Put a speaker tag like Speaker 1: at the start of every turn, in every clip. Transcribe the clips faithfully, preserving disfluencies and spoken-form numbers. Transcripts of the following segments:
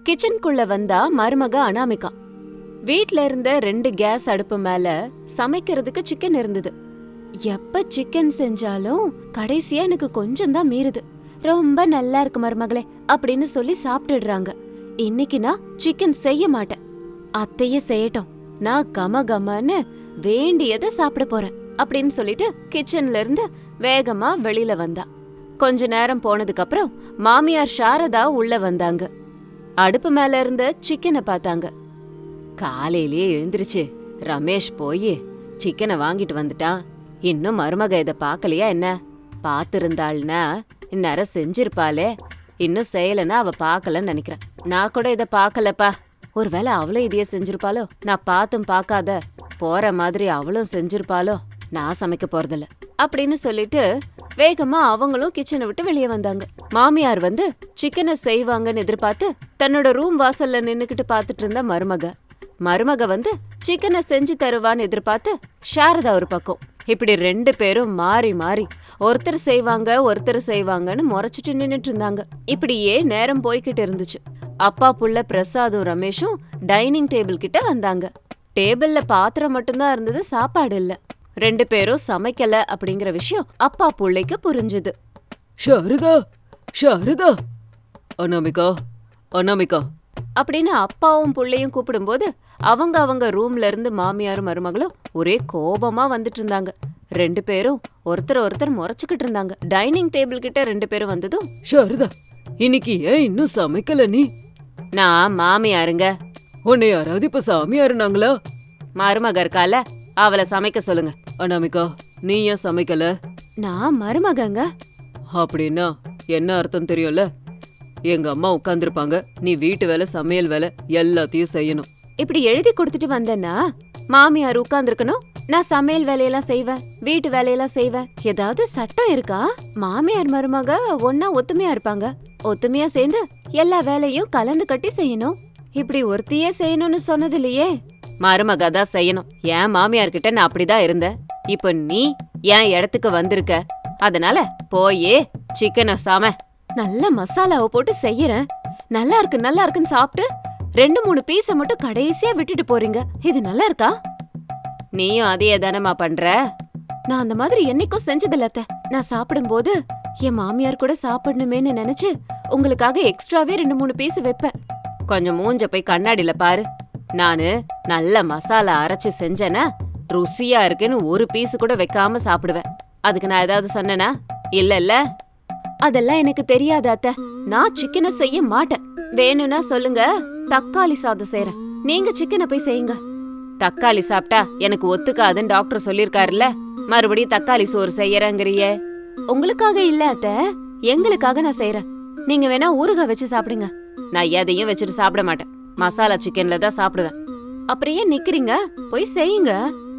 Speaker 1: கிச்சனுக்குள்ள வந்தா மருமக அனாமிகா. வீட்ல இருந்த ரெண்டு கேஸ் அடுப்பு மேல சமைக்கிறதுக்கு சிக்கன் இருந்தது. எப்ப சிக்கன் செஞ்சாலும் கடைசியா எனக்கு கொஞ்சம் தான் மீறுது. ரொம்ப நல்லா இருக்கு மருமகளே அப்படின்னு சொல்லி சாப்பிட்டுடுறாங்க. இன்னைக்கு நான் சிக்கன் செய்ய மாட்டேன், அத்தையே செய்யட்டும், நான் கம கமன்னு வேண்டியதை சாப்பிட போறேன் அப்படின்னு சொல்லிட்டு கிச்சன்ல இருந்து வேகமா வெளியில வந்தா. கொஞ்ச நேரம் போனதுக்கு அப்புறம் மாமியார் சாரதா உள்ள வந்தாங்க. அடுப்பு மேல இருந்த சிக்கனை பார்த்தாங்க. காலையிலேயே எழுந்திருச்சு ரமேஷ் போய் சிக்கனை வாங்கிட்டு வந்துட்டான். இன்னும் மருமக இதை பார்க்கலையா என்ன? பார்த்திருந்தாள்னா இந்நேரம் செஞ்சிருப்பாளே. இன்னும் செய்யலன்னா அவ பார்க்கலன்னு நினைக்கிறேன். நான் கூட இதை பார்க்கலப்பா. ஒருவேளை அவளும் இதையே செஞ்சிருப்பாளோ? நான் பார்த்தும் பார்க்காத போற மாதிரி அவளும் செஞ்சிருப்பாளோ? நான் சமைக்க போறதில்ல அப்படின்னு சொல்லிட்டு வேகமா அவங்களும் கிச்சனை விட்டு வெளியே வந்தாங்க. மாமியார் வந்து சிக்கனை செய்வாங்கன்னு எதிர்பார்த்து தன்னோட ரூம் வாசல்ல நின்னுக்கிட்டு பாத்துட்டு இருந்த மருமக மருமக வந்து சிக்கனை செஞ்சு தருவான்னு எதிர்பார்த்து சாரதா ஒரு பக்கம். இப்படி ரெண்டு பேரும் மாறி மாறி ஒருத்தர் செய்வாங்க ஒருத்தர் செய்வாங்கன்னு முறைச்சிட்டு நின்னுட்டு இருந்தாங்க. இப்படியே நேரம் போய்கிட்டு இருந்துச்சு. அப்பா புள்ள பிரசாதும் ரமேஷும் டைனிங் டேபிள் கிட்ட வந்தாங்க. டேபிள்ல பாத்திரம் மட்டும்தான் இருந்தது, சாப்பாடு இல்ல. ரெண்டு பேரும் சமைக்கல அப்படிங்கிற விஷயம் அப்பா புள்ளைக்கு புரிஞ்சுது.
Speaker 2: சாரதா, சாரதா, அனாமிகா, அனாமிகா
Speaker 1: அப்படின்னு அப்பாவும் புள்ளையும் கூப்பிடும்போது அவங்க அவங்க ரூம்ல இருந்து மாமியாரும் மருமகளும் ஒரே கோபமா வந்துட்டு இருந்தாங்க. ரெண்டு பேரும் ஒருத்தர் ஒருத்தர் முறைச்சுக்கிட்டு இருந்தாங்க. டைனிங் டேபிள் கிட்ட ரெண்டு பேரும் வந்ததும்,
Speaker 2: சாரதா, இன்னைக்கு ஏன் இன்னும் சமைக்கல நீ?
Speaker 1: நான் மாமியாருங்க.
Speaker 2: உன்னை யாராவது இப்ப சாமியாருனாங்களா?
Speaker 1: மருமக இருக்கால, அவளை சமைக்க சொல்லுங்க.
Speaker 2: அனாமிகா, நீ ஏன் சமைக்கல?
Speaker 1: நான் மருமகங்க.
Speaker 2: அப்படின்னா என்ன அர்த்தம் தெரியும்ல? எங்க அம்மா உட்கார்ந்துருப்பாங்க, நீ வீட்டு வேலை சமையல் வேலை எல்லாத்தையும் செய்யணும்.
Speaker 1: இப்படி எழுதி கொடுத்துட்டு வந்தேன்னா மாமியார் உட்கார்ந்துருக்கணும், நான் சமையல் வேலையெல்லாம் செய்வேன், வீட்டு வேலையெல்லாம் செய்வேன். ஏதாவது சட்டம் இருக்கா? மாமியார் மருமக ஒன்னா ஒத்துமையா இருப்பாங்க, ஒத்துமையா சேர்ந்து எல்லா வேலையும் கலந்து கட்டி செய்யணும். இப்படி ஒருத்தியே செய்யணும்னு சொன்னது இல்லையே. மருமக தான் செய்யணும். என் மாமியார் கிட்ட நான் அப்படிதான் இருந்தேன். இப்ப நீ என் இடத்துக்கு வந்திருக்க, அதனால போயே சிக்கனை சாம நல்ல மசாலாவை போட்டு செய்யறேன். நல்லா இருக்கு நல்லா இருக்குன்னு சாப்பிட்டு ரெண்டு மூணு பீஸை மட்டும் கடைசியா விட்டுட்டு போறீங்க. இது நல்லா இருக்கா? நீயும் அதையே தானமா பண்ற? நான் அந்த மாதிரி என்னைக்கும் செஞ்சதில்ல அத்தை. நான் சாப்பிடும்போது என் மாமியார் கூட சாப்பிடணுமேன்னு நினைச்சு உங்களுக்காக எக்ஸ்ட்ராவே ரெண்டு மூணு பீஸ் வைப்பேன். கொஞ்சம் மூஞ்ச போய் கண்ணாடியில பாரு. நானு நல்ல மசாலா அரைச்சு செஞ்சேன்னா ருசியா இருக்குன்னு ஒரு பீஸ் கூட வைக்காம சாப்பிடுவேன். அதுக்கு நான் ஏதாவது சொன்னேனா? இல்ல இல்ல. அதெல்லாம் எனக்கு தெரியாது அத்தை. நான் சிக்கனை செய்ய மாட்டேன். வேணும்னா சொல்லுங்க, தக்காளி சாதம் செய்யறேன், நீங்க சிக்கனை போய் செய்யுங்க. தக்காளி சாப்பிட்டா எனக்கு ஒத்துக்காதுன்னு டாக்டர் சொல்லிருக்காருல்ல, மறுபடியும் தக்காளி சோறு செய்யறேங்கிறியே. உங்களுக்காக இல்ல அத்தை, எங்களுக்காக நான் செய்யறேன். நீங்க வேணா ஊறுகாய் வச்சு சாப்பிடுங்க. நான் எதையும் வச்சுட்டு சாப்பிட மாட்டேன், மசாலா சிக்கன்ல தான் சாப்பிடுவேன். அப்புறம் ஏன் நிக்கிறீங்க? போய் செய்யுங்க.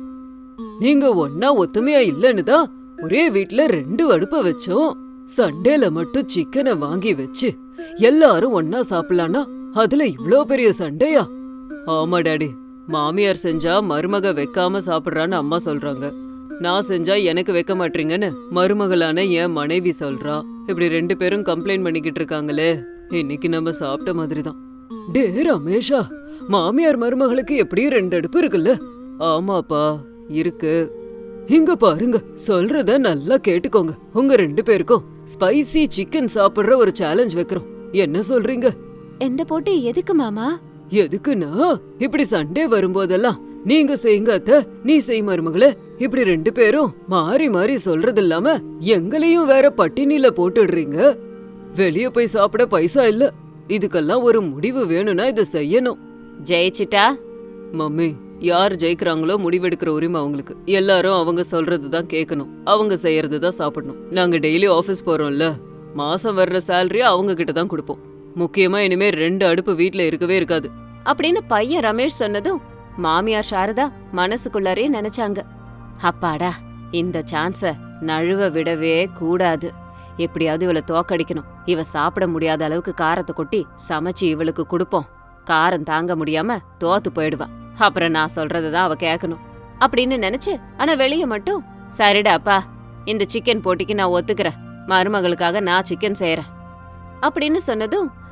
Speaker 2: நீங்க ஒன்னா ஒத்துமையா இல்லன்னு தான் ஒரே வீட்ல ரெண்டு அடுப்ப வச்சோம். சண்டேல மட்டும் சிக்கனை வாங்கி வச்சு எல்லாரும் ஒன்னா சாப்பிடலான்னா அதுல இவ்ளோ பெரிய சண்டையா? ஆமா டாடி, மாமியார் செஞ்சா மருமக வைக்காம சாப்பிடுறான்னு அம்மா சொல்றாங்க, நான் செஞ்சா எனக்கு வைக்க மாட்டீங்கன்னு மருமகளான என் மனைவி சொல்றா. இப்படி ரெண்டு பேரும் கம்ப்ளைண்ட் பண்ணிக்கிட்டு இருக்காங்களே. இன்னைக்கு நம்ம சாப்பிட்ட மாதிரிதான். டே ரமேஷா, மாமியார் மருமகளுக்கு எப்படியும் ரெண்டு அடுப்பு இருக்குல்ல? ஆமாப்பா இருக்கு. இங்க பாருங்க, சொல்றத நல்லா கேட்டுக்கோங்க. உங்க ரெண்டு பேருக்கும் ஸ்பைசி சிக்கன் சாப்பிடுற ஒரு சேலஞ்ச் வைக்கிறோம். என்ன சொல்றீங்க?
Speaker 1: எந்த போட்டி எதுக்கு மாமா?
Speaker 2: எதுக்குன்னா, இப்படி சண்டே வரும்போதெல்லாம் நீங்க செய்யுங்க அத்தை, நீ செய் மருமகளே, இப்படி ரெண்டு பேரும் மாறி மாறி சொல்றது இல்லாம எங்களையும் வேற பட்டினில போட்டுடுறீங்க. வெளிய போய் சாப்பிட பைசா இல்ல. இதுக்கெல்லாம் ஒரு முடிவு வேணும்னா இதை செய்யணும்.
Speaker 1: ஜெயிச்சிட்டா?
Speaker 2: மம்மி, யார் ஜெயிக்கிறாங்களோ முடிவெடுக்கிற உரிமை அவங்களுக்கு. எல்லாரும் அவங்க சொல்றதுதான் கேட்கணும், அவங்க செய்யறதுதான் சாப்பிடணும். நாங்க டெய்லி ஆபீஸ் போறோம்ல, மாசம் வர்ற சேலரி அவங்க கிட்ட தான் கொடுப்போம். முக்கியமா இனிமே ரெண்டு அடுப்பு வீட்ல இருக்கவே இருக்காது
Speaker 1: அப்படின்னு பையன் ரமேஷ் சொன்னதும் மாமியார் சாரதா மனசுக்குள்ளாரே நினைச்சாங்க, அப்பாடா, இந்த சான்ஸ நழுவ விடவே கூடாது. எப்படியாவது இவளை தோக்கடிக்கணும். இவ சாப்பிட முடியாத அளவுக்கு காரத்தை கொட்டி சமைச்சு இவளுக்கு கொடுப்போம். காரம் தாங்க முடியாம தோத்து போயிடுவா. அப்புறம் நான் சொல்றதுதான் அவ கேட்கணும் அப்படின்னு நினைச்சு, ஆனா வெளிய மட்டும் சரிடா அப்பா, இந்த சிக்கன் போட்டிக்கு நான் ஒத்துக்கிறேன், மருமகளுக்காக நான் சிக்கன் செய்யறேன் அப்படின்னு சொன்னதும்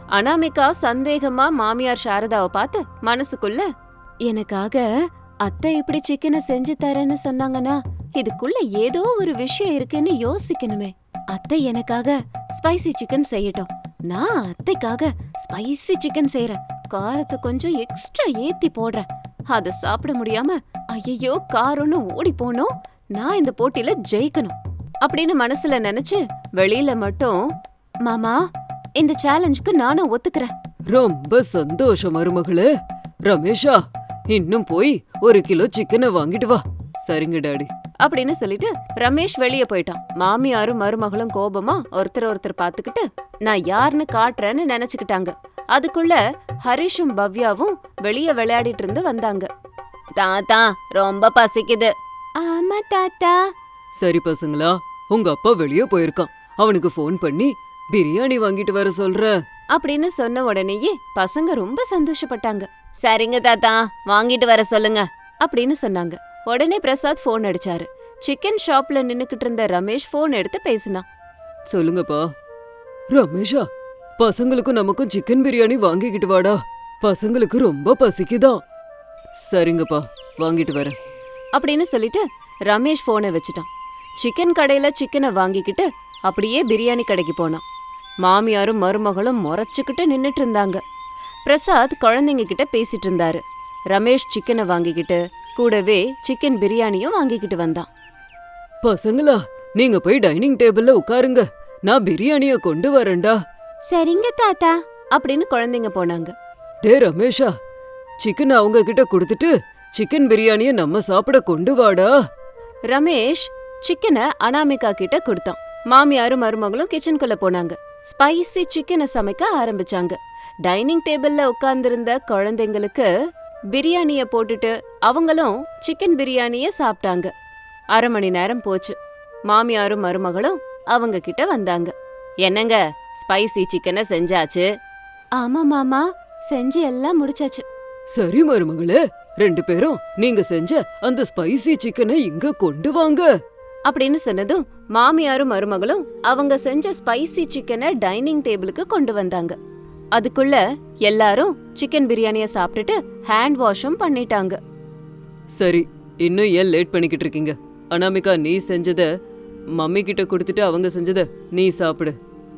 Speaker 1: அனாமிகா சந்தேகமா மாமியார் சாரதாவை பார்த்து மனசுக்குள்ள, எனக்காக அத்தை இப்படி சிக்கனை செஞ்சு தரேன்னு சொன்னாங்கன்னா இதுக்குள்ள ஏதோ ஒரு விஷயம் இருக்குன்னு யோசிக்கணுமே. அத்தை எனக்காக ஸ்பைசி சிக்கன் செய்யட்டும், நான் அத்தைக்காக ஸ்பைசி சிக்கன் செய்யறேன், காரத்தை கொஞ்சம் எக்ஸ்ட்ரா ஏத்தி போடுறேன். அத சாப்பிட முடியாம ஐயோ காரம்னு ஓடி போனோம், நான் இந்த போட்டியில ஜெயிக்கணும் அப்படின்னு மனசுல நினைச்சு வெளியில மட்டும், மாமா இந்த சேலஞ்சுக்கு நானும் ஒத்துக்கிறேன்.
Speaker 2: ரொம்ப சந்தோஷம் மருமகளே. ரமேஷா, இன்னும் போய் ஒரு கிலோ சிக்கனை வாங்கிட்டு வா. சரிங்க டாடி
Speaker 1: அப்படின்னு சொல்லிட்டு ரமேஷ் வெளிய போயிட்டான். மாமியாரும் மருமகளும் கோபமா ஒருத்தர் ஒருத்தர் பாத்துக்கிட்டு நான் யாருன்னு காட்டுறேன்னு நினைச்சுக்கிட்டாங்க. அதுக்குள்ள ஹரிஷும் பவ்யாவும் வெளிய விளையாடிட்டு இருந்து வந்தாங்க. தாத்தா ரொம்ப பசிக்குது. ஆமா தாத்தா.
Speaker 2: சரி பசங்களா, உங்க அப்பா வெளியே போயிருக்கான், அவனுக்கு ஃபோன் பண்ணி பிரியாணி வாங்கிட்டு வர சொல்ற
Speaker 1: அப்படின்னு சொன்ன உடனேயே பசங்க ரொம்ப சந்தோஷப்பட்டாங்க. சரிங்க தாத்தா, வாங்கிட்டு வர சொல்லுங்க அப்படின்னு சொன்னாங்க. உடனே பிரசாத் போன் அடிச்சாரு. சிக்கன் ஷாப்ல நின்னுக்கிட்டு இருந்த ரமேஷ் போன் எடுத்து பேசினான்.
Speaker 2: சொல்லுங்கப்பா. ரமேஷா, பசங்களுக்கும் நமக்கும் சிக்கன் பிரியாணி வாங்கிக்கிட்டு வாடா, பசங்களுக்கு ரொம்ப பசிக்குதான். சரிங்கப்பா, வாங்கிட்டு வரேன்
Speaker 1: அப்படின்னு சொல்லிட்டு ரமேஷ் போனை வச்சுட்டான். சிக்கன் கடையில சிக்கனை வாங்கிக்கிட்டு அப்படியே பிரியாணி கடைக்கு போனான். மாமியாரும் மருமகளும் முறைச்சுக்கிட்டு நின்னுட்டு இருந்தாங்க. பிரசாத் குழந்தைங்க கிட்ட பேசிட்டு இருந்தாரு. ரமேஷ் சிக்கனை வாங்கிக்கிட்டு கூடவே சிக்கன் பிரியாணியும் வாங்கிக்கிட்டு வந்தான்.
Speaker 2: பசங்களா, நீங்க போய் டைனிங் டேபிள்ல உட்காருங்க, நான் பிரியாணிய கொண்டு வரேன்டா.
Speaker 1: சரிங்க தாத்தா அப்படின்னு குழந்தைங்க போனாங்க.
Speaker 2: டே ரமேஷா, சிக்கன் அவங்க கிட்ட கொடுத்துட்டு சிக்கன் பிரியாணிய நம்ம சாப்பிட கொண்டு வாடா.
Speaker 1: ரமேஷ் சிக்கனை அனாமிகா கிட்ட கொடுத்தான். மாமியாரும் மருமகளும் கிச்சனுக்குள்ள போனாங்க. ஸ்பைசி சிக்கனை சமைக்க ஆரம்பிச்சாங்க. டைனிங் டேபிள்ல உட்கார்ந்திருந்த குழந்தைங்களுக்கு பிரியாணிய போட்டுட்டு அவங்களும் சிக்கன் பிரியாணிய சாப்பிட்டாங்க. அரை மணி நேரம் போச்சு. மாமியாரும் மருமகளும் அவங்க கிட்ட வந்தாங்க. என்னங்க, ஸ்பைசி சிக்கனை செஞ்சாச்சு. ஆமா மாமா, செஞ்சு எல்லாம் முடிச்சாச்சு.
Speaker 2: சரி மருமகளே, ரெண்டு பேரும் நீங்க செஞ்ச அந்த ஸ்பைசி சிக்கனை இங்க கொண்டு வாங்க
Speaker 1: அப்படின்னு சொன்னதும் மாமியாரும் மருமகளும் அவங்க செஞ்ச ஸ்பைசி சிக்கனை டைனிங் டேபிளுக்கு கொண்டு வந்தாங்க. அதுக்குள்ள எல்லாரும் சிக்கன் பிரியாணிய சாப்பிட்டுட்டு ஹேண்ட் வாஷும் பண்ணிட்டாங்க.
Speaker 2: சரி, இன்னும் ஏன் லேட் பண்ணிக்கிட்டு இருக்கீங்க? அனாமிகா, நீ செஞ்சத மம்மி கிட்ட கொடுத்துட்டு அவங்க செஞ்சத நீ சாப்பிடு.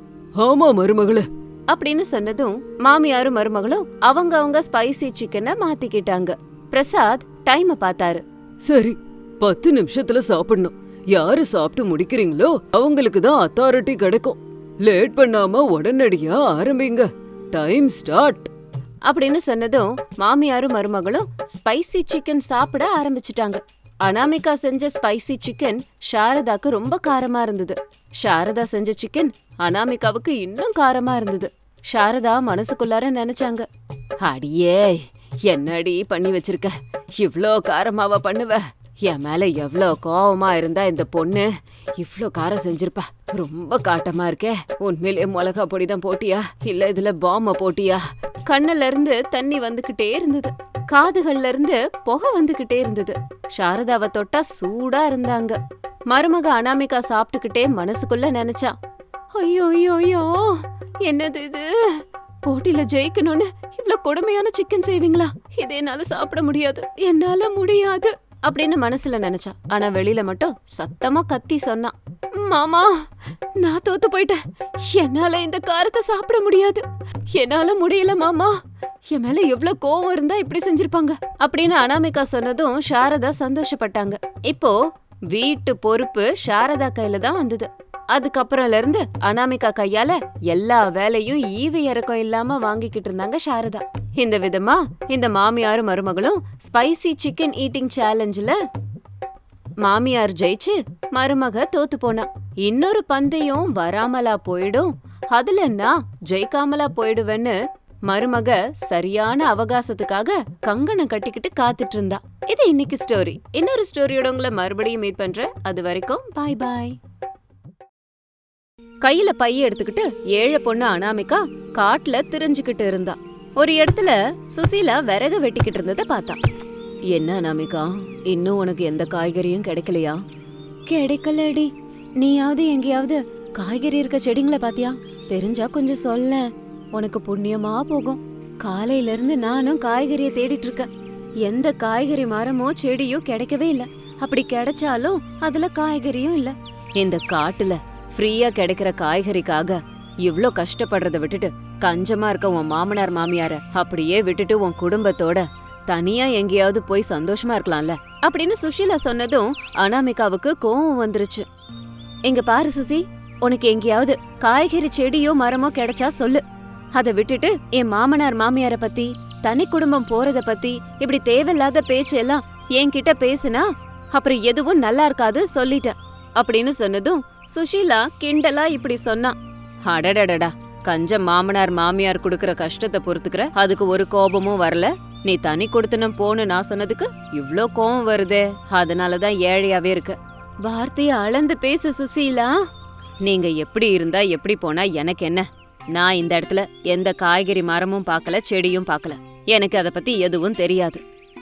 Speaker 2: ஆமா மருமகளே
Speaker 1: அப்படின்னு சொன்னதும் மாமியாரும் மருமகளும் அவங்க அவங்க ஸ்பைசி சிக்கனை மாத்திக்கிட்டாங்க. பிரசாத் டைமை பார்த்தாரு.
Speaker 2: சரி, பத்து நிமிஷத்துல சாப்பிடணும். யாரு சாப்பிட்டு முடிக்கிறீங்களோ அவங்களுக்கு தான் அத்தாரிட்டி கிடைக்கும். லேட் பண்ணாம உடனடியா ஆரம்பிங்க. டைம் ஸ்டார்ட்
Speaker 1: அப்படின்னு சொன்னதும் மாமியாரும் மருமகளும் ஸ்பைசி சிக்கன் சாப்பிட ஆரம்பிச்சிட்டாங்க. அனாமிகா செஞ்ச ஸ்பைசி சிக்கன் சாரதாக்கு ரொம்ப காரமா இருந்தது. சாரதா செஞ்ச சிக்கன் அனாமிகாவுக்கு இன்னும் காரமா இருந்தது. சாரதா மனசுக்குள்ளார நினைச்சாங்க, அடியே என்னடி பண்ணி வச்சிருக்க, இவ்ளோ காரமாவா பண்ணுவ? என் மேல எவ்ளோ கோவமா இருந்தா இந்த பொண்ணு இவ்ளோ காரம் செஞ்சிருப்பா. ரொம்ப காட்டமா இருக்கே. உண்மையிலேயே மிளகா பொடிதான் போட்டியா, இல்ல இதுல பாம்ப போட்டியா? கண்ணுல இருந்து தண்ணி வந்துகிட்டே இருந்தது. காதுகள்ல இருந்து புகை வந்துகிட்டே இருந்தது. சாரதாவை தொட்டா சூடா இருந்தாங்க. மருமக அனாமிகா சாப்பிட்டுக்கிட்டே மனசுக்குள்ள நினைச்சா, ஐயோ ஐயோ ஐயோ, என்னது இது? போட்டியில ஜெயிக்கணும்னு இவ்ளோ கொடுமையான சிக்கன் செய்வீங்களா? இதை என்னால சாப்பிட முடியாது, என்னால முடியாது அப்படின்னு மனசுல நினைச்சா. ஆனா வெளியில மட்டும் சத்தமா கத்தி சொன்னா, மாமா நான் தோத்து போயிட்டேன், என்னால இந்த காரத்தை சாப்பிட முடியாது, என்னால முடியல மாமா. என் மேல எவ்வளவு கோவம் இருந்தா இப்படி செஞ்சிருப்பாங்க அப்படின்னு அனாமிகா சொன்னதும் சாரதா சந்தோஷப்பட்டாங்க. இப்போ வீட்டு பொறுப்பு சாரதா கையில தான் வந்தது. அதுக்கப்புறம்ல இருந்து அனாமிகா கையால எல்லா வேலையும் ஈவு இறக்கம் இல்லாம வாங்கிக்கிட்டு இருந்தாங்க சாரதா. இந்த விதமா இந்த மாமியாரும் மருமகளும் ஸ்பைசி சிக்கன் ஈட்டிங் சேலஞ்சில மாமியார் ஜெயிச்சு மருமக தோத்து போனா. இன்னொரு பந்தயம் வராமலா போயிடும், அதுல நான் ஜெயிக்காமலா போயிடுவேன்னு மருமக சரியான அவகாசத்துக்காக கங்கணம் கட்டிக்கிட்டு காத்துட்டு இருந்தா. இது இன்னைக்கு ஸ்டோரி. இன்னொரு ஸ்டோரியோட உங்களை மறுபடியும் மீட் பண்றேன். அது வரைக்கும் பாய் பாய். கையில பைய எடுத்துக்கிட்டு ஏழை பொண்ணு அனாமிகா காட்டுல திரிஞ்சுக்கிட்டு இருந்தா. ஒரு இடத்துல சுசீலா விறகு வெட்டிக்கிட்டு இருந்ததை பார்த்தா. என்ன அனாமிகா, இன்னும் உனக்கு எந்த காய்கறியும் கிடைக்கலையா? கிடைக்கலடி. நீயாவது எங்கேயாவது காய்கறி இருக்க செடிங்களை பாத்தியா? தெரிஞ்சா கொஞ்சம் சொல்ல. உனக்கு புண்ணியமா போகும். காலையில இருந்து நானும் காய்கறிய தேடிட்டு இருக்கேன். எந்த காய்கறி மரமோ செடியோ கிடைக்கவே இல்ல. அப்படி கிடைச்சாலும் அதுல காய்கறியும் இல்ல. இந்த காட்டுல ஃப்ரீயா கிடைக்கிற காய்கறிக்காக இவ்ளோ கஷ்டப்படுறத விட்டுட்டு கஞ்சமா இருக்க உன் மாமனார் மாமியார அப்படியே விட்டுட்டு உன் குடும்பத்தோட தனியா எங்கேயாவது போய் சந்தோஷமா இருக்கலாம்ல அப்படின்னு சுஷீலா சொன்னதும் அனாமிகாவுக்கு கோவம் வந்துருச்சு. இங்க பாரு சுசி, உனக்கு எங்கேயாவது காய்கறி செடியோ மரமோ கிடைச்சா சொல்லு. அதை விட்டுட்டு என் மாமனார் மாமியார பத்தி தனி குடும்பம் போறத பத்தி இப்படி தேவையில்லாத பேச்சு எல்லாம் என்கிட்ட பேசுனா அப்புறம் எதுவும் நல்லா இருக்காது சொல்லிட்டேன் அப்படின்னு சொன்னதும் சுஷீலா கிண்டலா இப்படி சொன்னா. அடடடடா, கஞ்ச மாமனார் மாமியார் குடுக்கற கஷ்டத்தை பொறுத்துக்கிற, அதுக்கு ஒரு கோபமும் வரல. நீ தனி கொடுத்தனும் போன்னு நான் சொன்னதுக்கு இவ்ளோ கோபம் வருதே, அதனாலதான் ஏழையாவே இருக்க. வார்த்தைய அளந்து பேசு சுசீலா. நீங்க எப்படி இருந்தா எப்படி போனா எனக்கு என்ன? நான் இந்த இடத்துல எந்த காய்கறி மரமும் பார்க்கல, செடியும் பார்க்கல. எனக்கு அத பத்தி எதுவும் தெரியாது.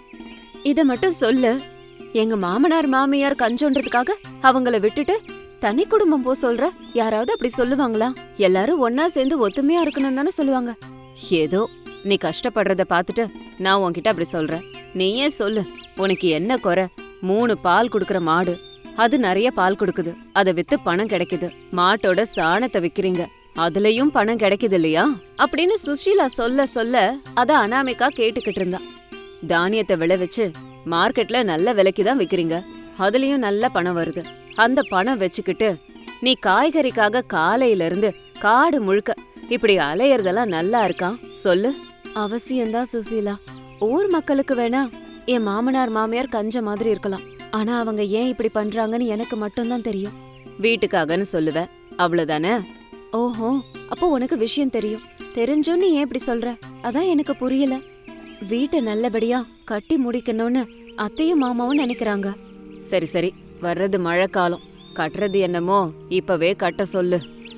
Speaker 1: இத மட்டும் சொல்லு. எங்க மாமனார் மாமியார் கஞ்சோன்றதுக்காக அவங்கள விட்டுட்டு தனி குடும்பம் போ சொல்ற? யாராவது அப்படி சொல்லுவாங்களா? எல்லாரும் ஒன்னா சேர்ந்து ஒத்துமையா இருக்கணும் தானே சொல்லுவாங்க. ஏதோ நீ கஷ்டப்படுறத பாத்துட்டு நான் உன்கிட்ட அப்படி சொல்றேன். நீயே சொல்லு, உனக்கு என்ன குறை? மூணு பால் குடுக்கற மாடு, அது நிறைய பால் கொடுக்குது, அதை வித்து பணம் கிடைக்குது. மாட்டோட சாணத்தை விக்கிறீங்க, அதுலயும் பணம் கிடைக்குது இல்லையா அப்படின்னு சுஷீலா சொல்ல சொல்ல அத அனாமிகா கேட்டுக்கிட்டு இருந்தா. தானியத்தை விளைவிச்சு மார்க்கெட்ல நல்ல விலைக்கு தான் விக்கிறீங்க, அதுலயும் நல்ல பணம் வருது. அந்த பணம் வச்சுக்கிட்டு நீ காய்கறிக்காக காலையில இருந்து காடு முழுக்க இப்படி அலையறதெல்லாம் நல்லா இருக்கா சொல்லு? அவசியம்தான் சுசீலா. ஊர் மக்களுக்கு வேணா என் மாமனார் மாமியார் கஞ்ச மாதிரி இருக்கலாம், ஆனா அவங்க ஏன் இப்படி பண்றாங்கன்னு எனக்கு மட்டும்தான் தெரியும். வீட்டுக்காகன்னு சொல்லுவ, அவ்வளவுதானே? ஓஹோ, அப்போ உனக்கு விஷயம் தெரியும். தெரிஞ்சும் நீ ஏன் இப்படி சொல்ற? அதான் எனக்கு புரியல. வீட்டை நல்லபடியா கட்டி முடிக்கணும்னு அத்தையும் மாமாவும் நினைக்கிறாங்க. சரி சரி, வர்றது மழை காலம், கட்டுறது என்னமோ இப்பவே கட்ட சொல்லு.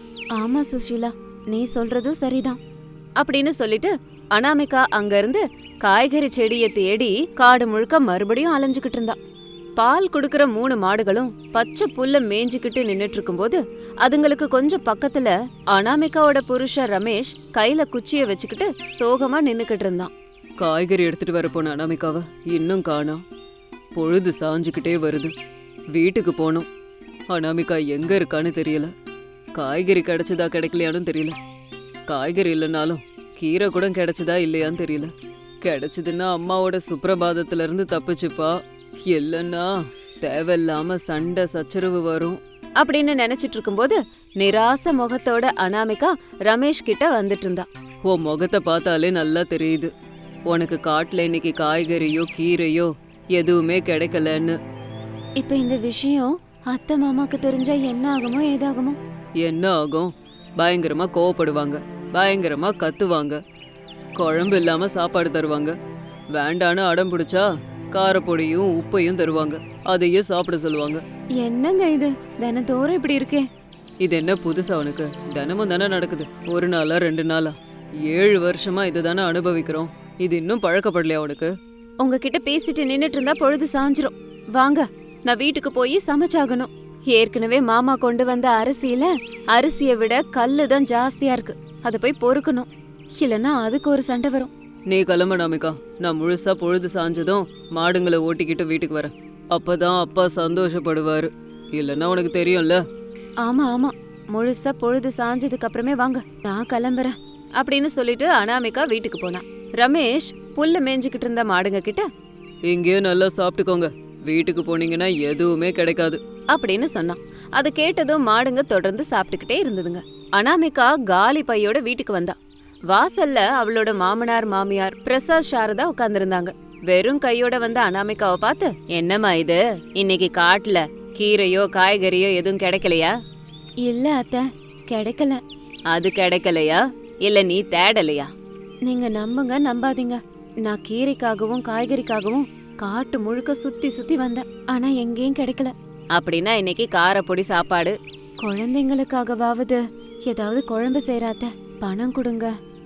Speaker 1: ஆமா சுஷீலா, நீ சொல்றதும் சரிதான் அப்படின்னு சொல்லிட்டு அனாமிகா அங்க இருந்து காய்கறி செடியை தேடி காடு முழுக்க மறுபடியும் அலைஞ்சுக்கிட்டு இருந்தா. பால் குடுக்கற மூணு மாடுகளும் பச்சை புல்ல மேய்ஞ்சுக்கிட்டு நின்னுட்டு இருக்கும்போது அதுங்களுக்கு கொஞ்சம் பக்கத்துல அனாமிகாவோட புருஷன் ரமேஷ் கையில குச்சிய வச்சுக்கிட்டு சோகமா நின்னுக்கிட்டு இருந்தான்.
Speaker 2: காய்கறி எடுத்துட்டு வர போன அனாமிகாவ இன்னும் காணோம். பொழுது சாஞ்சுக்கிட்டே வருது, வீட்டுக்கு போனோம். அனாமிகா எங்க இருக்கான்னு தெரியல. காய்கறி கிடைச்சதா கிடைக்கலையான்னு தெரியல. காய்கறி இல்லைனாலும் கீரை கூட கிடைச்சதா இல்லையான்னு தெரியல. கிடைச்சதுன்னா அம்மாவோட சுப்பிரபாதத்துல இருந்து தப்பிச்சுப்பா, இல்லைன்னா தேவையில்லாம சண்டை சச்சரவு வரும்
Speaker 1: அப்படின்னு நினைச்சிட்டு இருக்கும்போது நிராச முகத்தோட அனாமிகா ரமேஷ் கிட்ட வந்துட்டு இருந்தா.
Speaker 2: உன் முகத்தை பார்த்தாலே நல்லா தெரியுது, உனக்கு காட்டுல இன்னைக்கு காய்கறியோ கீரையோ எதுவுமே கிடைக்கலன்னு.
Speaker 1: இப்ப இந்த விஷயம் அத்தை மாமாக்கு தெரிஞ்சா என்ன ஆகுமோ ஏதாகுமோ?
Speaker 2: என்ன ஆகும்? பயங்கரமா கோவப்படுவாங்க, பயங்கரமா கத்துவாங்க, குழம்பு இல்லாம சாப்பாடு தருவாங்க. வேண்டான்னு அடம் பிடிச்சா காரப்பொடியும் உப்பையும் தருவாங்க, அதையே சாப்பிட சொல்லுவாங்க.
Speaker 1: என்னங்க இது தினத்தோறும் இப்படி இருக்கே?
Speaker 2: இது என்ன புதுசா உனக்கு? தினமும் தானே நடக்குது, ஒரு நாளா ரெண்டு நாளா? ஏழு வருஷமா இதை தானே அனுபவிக்கிறோம். இது இன்னும் பழக்கப்படலையா உனக்கு?
Speaker 1: உங்ககிட்ட பேசிட்டு நின்னுட்டு இருந்தா பொழுது சாஞ்சிரும். வாங்க, நான் வீட்டுக்கு போய் சமைச்சாகணும். ஏற்கனவே மாமா கொண்டு வந்த அரிசியில அரிசியை விட கல்லு தான் ஜாஸ்தியா இருக்கு, அதை போய் பொறுக்கணும். இல்லைன்னா அதுக்கு ஒரு சண்டை வரும்.
Speaker 2: நீ கிளம்ப அனாமிகா, நான் முழுசா பொழுது சாஞ்சதும் மாடுங்களை ஓட்டிக்கிட்டு வீட்டுக்கு வரேன். அப்பதான் அப்பா சந்தோஷப்படுவாரு, இல்லைன்னா உனக்கு தெரியும்ல.
Speaker 1: ஆமா ஆமா, முழுசா பொழுது சாஞ்சதுக்கு அப்புறமே வாங்க, நான் கிளம்புறேன் அப்படின்னு சொல்லிட்டு அனாமிகா வீட்டுக்கு போனா. ரமேஷ் புல்ல மேய்ஞ்சுக்கிட்டு இருந்த மாடுங்க கிட்ட,
Speaker 2: இங்கேயே நல்லா சாப்பிட்டுக்கோங்க, வீட்டுக்கு போனீங்கன்னா எதுவுமே கிடைக்காது
Speaker 1: அப்படின்னு சொன்னான். அதை கேட்டதும் மாடுங்க தொடர்ந்து சாப்பிட்டுக்கிட்டே இருந்ததுங்க. அனாமிகா காலி பையோட வீட்டுக்கு வந்தா. வாசல்ல அவளோட மாமனார் மாமியார் பிரசாத் சாரதா உட்கார்ந்துருந்தாங்க. வெறும் கையோட வந்த அனாமிகாவை பார்த்து, என்னம்மா இது, இன்னைக்கு காட்டுல கீரையோ காய்கறியோ எதுவும் கிடைக்கலையா? இல்ல அத்தை, கிடைக்கல. அது கிடைக்கலையா இல்ல நீ தேடலையா? நீங்க நம்புங்க நம்பாதீங்க, நான் கீரைக்காகவும் காய்கறிக்காகவும் காட்டு முழுக்க சுத்தி சுத்தி வந்தேன், ஆனா எங்கேயும் கிடைக்கல. அப்படின்னா இன்னைக்கு காரப்பொடி சாப்பாடு. குழந்தைங்களுக்காகவாவது ஏதாவது குழம்பு செய்யறாத்த, பணம் கொடுங்க.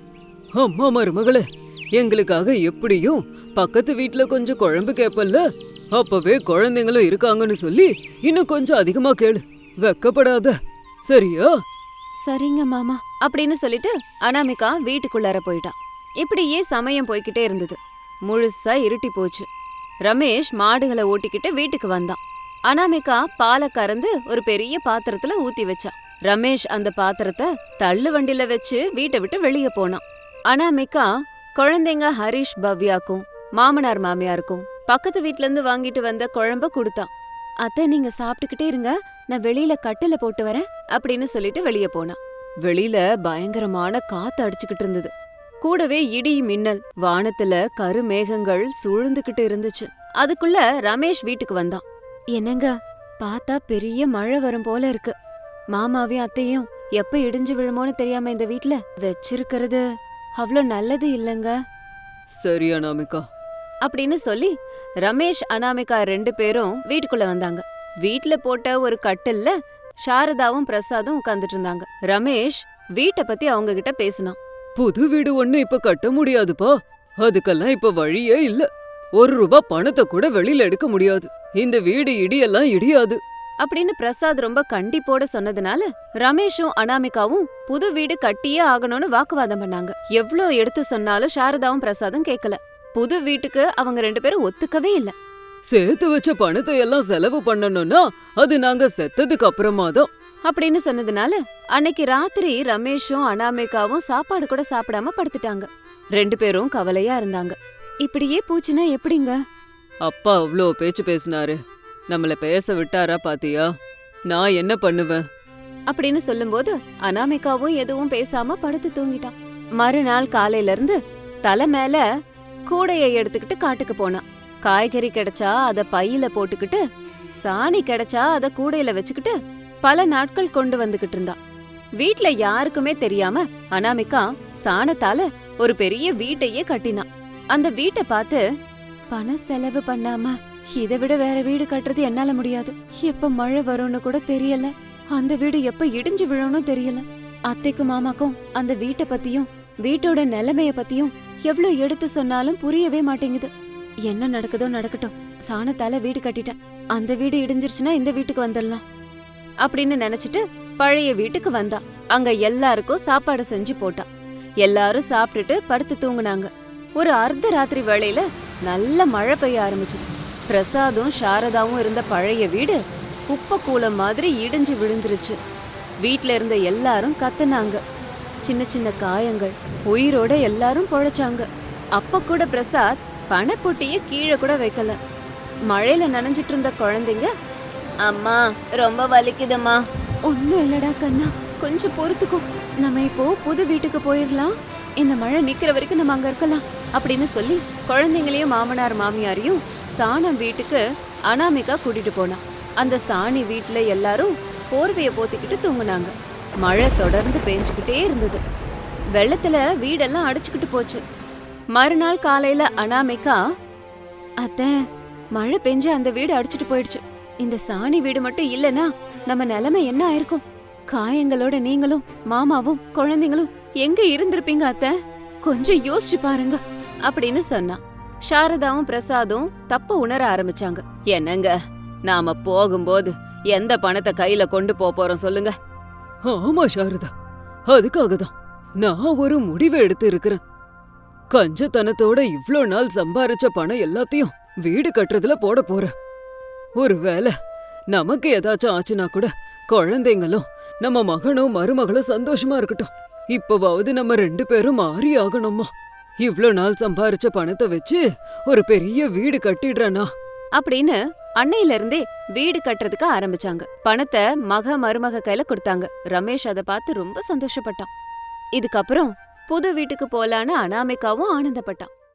Speaker 2: அம்மா மருமகளே, எங்களுக்காக எப்படியும் பக்கத்து வீட்ல கொஞ்சம் குழம்பு கேப்பல்ல, அப்பவே குழந்தைங்களும் இருக்காங்கன்னு சொல்லி இன்னும் கொஞ்சம் அதிகமா கேளு, வெக்கப்படாத, சரியா?
Speaker 1: சரிங்க மாமா அப்படின்னு சொல்லிட்டு அனாமிகா வீட்டுக்குள்ளார போயிட்டான். இப்படியே சமயம் போய்கிட்டே இருந்தது. முழுசா இருட்டி போச்சு. ரமேஷ் மாடுகளை ஓட்டிக்கிட்டு வீட்டுக்கு வந்தான். அனாமிகா பாலை கறந்து ஒரு பெரிய பாத்திரத்துல ஊத்தி வச்சான். ரமேஷ் அந்த பாத்திரத்தை தள்ளு வண்டில வச்சு வீட்டை விட்டு வெளியே போனான். அனாமிகா குழந்தைங்க ஹரிஷ் பவ்யாக்கும் மாமனார் மாமியாருக்கும் பக்கத்து வீட்ல இருந்து வாங்கிட்டு வந்த குழம்ப கொடுத்தான். அத்தை நீங்க சாப்பிட்டுக்கிட்டே இருங்க, நான் வெளியில கட்டில போட்டு வரேன் அப்படின்னு சொல்லிட்டு வெளியே போனான். வெளியில பயங்கரமான காத்து அடிச்சுக்கிட்டு இருந்தது. கூடவே இடி மின்னல், வானத்துல கருமேகங்கள் சூழ்ந்துகிட்டு இருந்துச்சு. அதுக்குள்ள ரமேஷ் வீட்டுக்கு வந்தான். என்னங்க, பார்த்தா பெரிய மழை வரும் போல இருக்கு. மாமாவையும் அத்தையும் எப்ப இடிஞ்சு விழுமோன்னு தெரியாம இந்த வீட்ல வச்சிருக்கிறது அவ்வளோ நல்லது இல்லங்க
Speaker 2: சரி அனாமிகா
Speaker 1: அப்படின்னு சொல்லி ரமேஷ் அனாமிகா ரெண்டு பேரும் வீட்டுக்குள்ள வந்தாங்க. வீட்ல போட்ட ஒரு கட்டில்ல சாரதாவும் பிரசாதும் உட்கார்ந்துட்டு இருந்தாங்க. ரமேஷ் வீட்டை பத்தி அவங்க கிட்ட பேசினான்.
Speaker 2: புது வீடு ஒண்ணு இப்ப கட்ட முடியாதுப்பா. அதுக்கெல்லாம் இப்ப வழியே இல்ல. ஒரு ரூபா பணத்தை கூட வெளியில எடுக்க முடியாது. இந்த வீடு இடியெல்லாம் இடியாது
Speaker 1: அப்படின்னு பிரசாத் ரொம்ப கண்டிப்போட சொன்னதுனால ரமேஷும் அனாமிகாவும் புது வீடு கட்டியே ஆகணும்னு வாக்குவாதம் பண்ணாங்க. எவ்ளோ எடுத்து சொன்னாலும் சாரதாவும் பிரசாதும் கேட்கல. புது வீட்டுக்கு அவங்க ரெண்டு பேரும் ஒத்துக்கவே இல்ல.
Speaker 2: சேர்த்து வச்ச பணத்தை எல்லாம் செலவு பண்ணணும்னா அது நாங்க செத்ததுக்கு அப்புறமா தான்
Speaker 1: அப்படின்னு சொன்னதுனால அன்னைக்கு ராத்திரி ரமேஷும் அனாமிகாவும் சாப்பாடு கூட சாப்பிடாம படுத்துட்டாங்க. ரெண்டு பேரும் கவலையா இருந்தாங்க. இப்படியே பூச்சினா எப்படிங்க?
Speaker 2: அப்பா அவ்ளோ பேச்சு பேசினாரு, நம்மள பேச விட்டாரா பாத்தியா? நான் என்ன பண்ணுவேன்
Speaker 1: அப்படின்னு சொல்லும்போது அனாமிகாவும் எதுவும் பேசாம படுத்து தூங்கிட்டான். மறுநாள் காலையில இருந்து தலை மேல கூடைய எடுத்துக்கிட்டு காட்டுக்கு போனான். காய்கறி கிடைச்சா அத பையில போட்டுக்கிட்டு, சாணி கிடைச்சா அத கூடையில வச்சுக்கிட்டு பல நாட்கள் கொண்டு வந்துகிட்டு இருந்தா. வீட்ல யாருக்குமே தெரியாம அனாமிகா சாணத்தால ஒரு பெரிய வீட்டையே கட்டினான். அந்த வீட்டை பார்த்து, பணம் செலவு பண்ணாம இதை விட வேற வீடு கட்டுறது என்னால முடியாது. எப்ப மழை வரும்னு கூட தெரியல, அந்த வீடு எப்ப இடிஞ்சு விழும்னு தெரியல. அத்தைக்கும் மாமாக்கும் அந்த வீட்டை பத்தியும் வீட்டோட நிலைமைய பத்தியும் எவ்வளவு எடுத்து சொன்னாலும் புரியவே மாட்டேங்குது. என்ன நடக்குதோ நடக்கட்டும், சாணத்தால வீடு கட்டிட்டேன். அந்த வீடு இடிஞ்சிருச்சுன்னா இந்த வீட்டுக்கு வந்துடலாம் அப்படின்னு நினைச்சிட்டு பழைய வீட்டுக்கு வந்தா. அங்க எல்லாருக்கும் சாப்பாடு செஞ்சு போட்டா. எல்லாரும் சாப்பிட்டுட்டு படுத்து தூங்குனாங்க. ஒரு அர்த்த ராத்திரி வேளையில நல்ல மழை பெய்ய ஆரம்பிச்சது. பிரசாதும் சாரதாவும் இருந்த பழைய வீடு குப்பை கூலம் மாதிரி இடிஞ்சு விழுந்துருச்சு. வீட்ல இருந்த எல்லாரும் கத்துனாங்க. சின்ன சின்ன காயங்கள், உயிரோட எல்லாரும் பொழைச்சாங்க. அப்ப கூட பிரசாத் பணப்பொட்டிய கீழே கூட வைக்கல. மழையில நனைஞ்சிட்டு இருந்த குழந்தைங்க, அம்மா ரொம்ப வலிக்குதுமா. ஒன்னும் இல்லடா கண்ணா, கொஞ்சம் பொறுத்துக்கோ, நம்ம இப்போ புது வீட்டுக்கு போயிடலாம். இந்த மழை நிக்கிற வரைக்கும் நம்ம அங்க இருக்கலாம் அப்படின்னு சொல்லி குழந்தைங்களையும் மாமனார் மாமியாரையும் சாணம் வீட்டுக்கு அனாமிகா கூட்டிட்டு போனா. அந்த சாணி வீட்டுல எல்லாரும் போர்வைய போத்திக்கிட்டு தூங்குனாங்க. மழை தொடர்ந்து பெஞ்சுக்கிட்டே இருந்தது. வெள்ளத்துல வீடெல்லாம் அடிச்சுக்கிட்டு போச்சு. மறுநாள் காலையில அனாமிகா, அத்தை மழை பெஞ்சு அந்த வீடு அடிச்சுட்டு போயிடுச்சு. இந்த சாணி வீடு மட்டும் இல்லனா நம்ம நிலைமை என்ன ஆயிருக்கும்? காயங்களோட நீங்களும் மாமாவும் குழந்தைங்களும் எங்க இருந்திருப்பீங்க அத்தை? கொஞ்சம் யோசிச்சு பாருங்க அப்படின்னு சொன்னா. சாரதாவும் பிரசாதும் தப்ப உணர ஆரம்பிச்சாங்க. என்னங்க, நாம போகும்போது எந்த பணத்தை கையில கொண்டு போறோம் சொல்லுங்க?
Speaker 2: ஆமா சாரதா, அதுக்காக தான் நான் ஒரு முடிவை எடுத்து இருக்கிறேன். கஞ்சத்தனத்தோட இவ்ளோ நாள் சம்பாரிச்ச பணம் எல்லாத்தையும் வீடு கட்டுறதுல போட போறேன். ஒருவேளை நமக்கு ஏதாச்சும் ஆச்சுன்னா கூட குழந்தைங்களும் நம்ம மகனும் மருமகளும் சந்தோஷமா இருக்கட்டும். இப்பவாவது நம்ம ரெண்டு பேரும் மாறி ஆகணுமா? இவ்ளோ நாள் சம்பாரிச்ச பணத்தை வச்சு ஒரு பெரிய வீடு கட்டிடுறேனா
Speaker 1: அப்படின்னு அன்னையில இருந்தே வீடு கட்டுறதுக்கு ஆரம்பிச்சாங்க. பணத்தை மக மருமக கையில கொடுத்தாங்க. ரமேஷ் அதை பார்த்து ரொம்ப சந்தோஷப்பட்டான். இதுக்கப்புறம் புது வீட்டுக்கு போலான்னு அனாமிகாவும் ஆனந்தப்பட்டான்.